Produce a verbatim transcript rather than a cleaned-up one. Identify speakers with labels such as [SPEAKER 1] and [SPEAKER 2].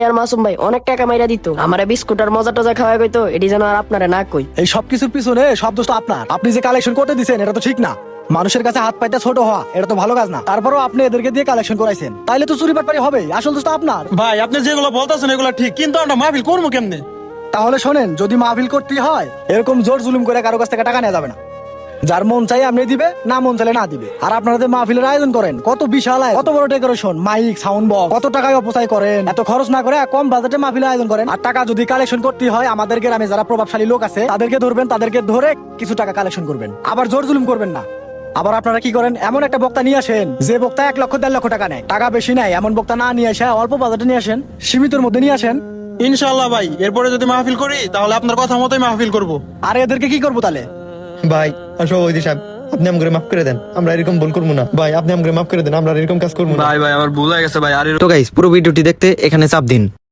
[SPEAKER 1] আর মাসুম ভাই অনেক টাকা মাইরা দিত আমারে বিস্কুট আর মজা টজা খাওয়া কইতো এটি যেন আর আপনারা না কই।
[SPEAKER 2] এই সব কিছুর পিছনে সব দোষ তো আপনার। আপনি যে কালেকশন করতে দিচ্ছেন এটা তো ঠিক না। মানুষের কাছে হাত পাইতে ছোট হওয়া এটা তো ভালো কাজ না। তারপরও আপনি এদেরকে দিয়ে কালেকশন করাইছেন, তাইলে তো চুরি বাটপারি হবে। আসল দোষ তো আপনার।
[SPEAKER 3] ভাই আপনি যেগুলো বলতেছেন এগুলো ঠিক, কিন্তু আমরা মাহফিল করবো কেমনে?
[SPEAKER 2] তাহলে শোনেন, যদি মাহফিল করতে হয় এরকম জোর জুলুম করে কারো কাছ থেকে টাকা নেওয়া যাবে না। যার মন চাই আপনি দিবে, না মন চাইলে না দিবে। আর আপনারা যে মাহফিলের আয়োজন করেন, কত বিশাল আয়োজন, কত বড় ডেকোরেশন, মাইক, সাউন্ড বক্স, কত টাকায় অপচয় করেন। এত খরচ না করে কম বাজেটে মাহফিলের আয়োজন করেন। আর টাকা যদি কালেকশন করতে হয়, আমাদের গ্রামে যারা প্রভাবশালী লোক আছে তাদেরকে ধরবেন, তাদেরকে ধরে কিছু টাকা কালেকশন করবেন। আবার জোর জুলুম করবেন না। আবার আপনারা কি করেন, এমন একটা বক্তা নিয়ে আসেন যে বক্তা এক লক্ষ দেড় লক্ষ টাকা নেয়। টাকা বেশি নাই এমন বক্তা না নিয়ে আসে, অল্প বাজেটে নিয়ে আসেন, সীমিতর মধ্যে নিয়ে আসেন।
[SPEAKER 3] ইনশাল্লাহ ভাই, এরপরে যদি মাহফিল করি তাহলে আপনার কথা মতোই মাহফিল করবো।
[SPEAKER 2] আর এদেরকে কি করবো তাহলে?
[SPEAKER 4] ভাই সভাপতি সাহেব, আপনি আমাকে মাফ করে দেন, আমরা এরকম ভুল করবো না। ভাই আপনি আমাকে মাফ করে দেন, আমরা আর এরকম কাজ করবো না।
[SPEAKER 5] ভাই ভাই আমার ভুল হয়ে গেছে ভাই। আর
[SPEAKER 4] তো গাইস, পুরো ভিডিওটি দেখতে এখানে চাপ দিন।